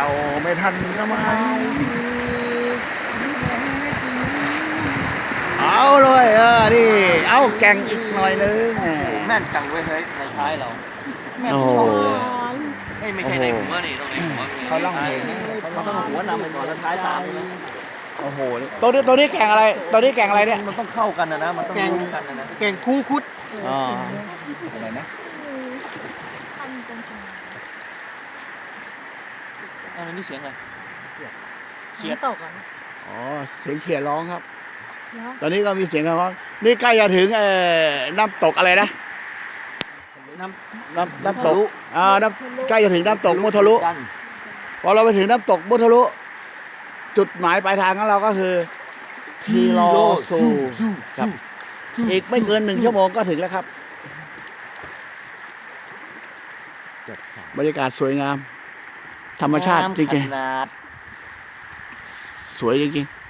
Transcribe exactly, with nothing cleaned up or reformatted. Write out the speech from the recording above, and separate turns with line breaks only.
ก่าไม่ทันสมัยเอาเลยเออนี่เอาแก่งอีกหน่อยนึงแหม
แม่นจังเว้ยเฮ้ยในท้ายเราแม่น
โอ้
ช
โห
อบเลยเอ้ยไม่ใช่ในหัวนี่ต้องในหัวเขาล่องเพลงเขาต้องหัวนำไปก่อนแล้วท้ายตามใช่ไหม
โอ้โหตัวนี้ตัวนี้แก่งอะไรตัวนี้แก่งอะไรเนี่ย
มันต้องเข้ากันนะนะมันต้องรู้กันนะนะ
แกงคู่คุด
อ๋อ
อะไรนะอันนี้เสียงอะไร
เขียดตกอ่ะ
อ๋อเสียงเขียดร้องครับ
แล้ว
ตอนนี้ก็มีเสียงร้องนี่ใกล้จะถึงเอ่อน้ำตกอะไรนะ
น้
น้ำน้ำตกอ่าน้ำใกล้จะถึงน้ำตกมุทะลุ
กัน
พอเราไปถึงน้ำตกมุทะลุจุดหมายปลายทางของเราก็คือทีโลซูครับอีกไม่เกินหนึ่งชั่วโมงก็ถึงแล้วครับบรรยากาศสวยงาม ธรรมชาติจริง
ขนาด
ๆสวยจริงๆ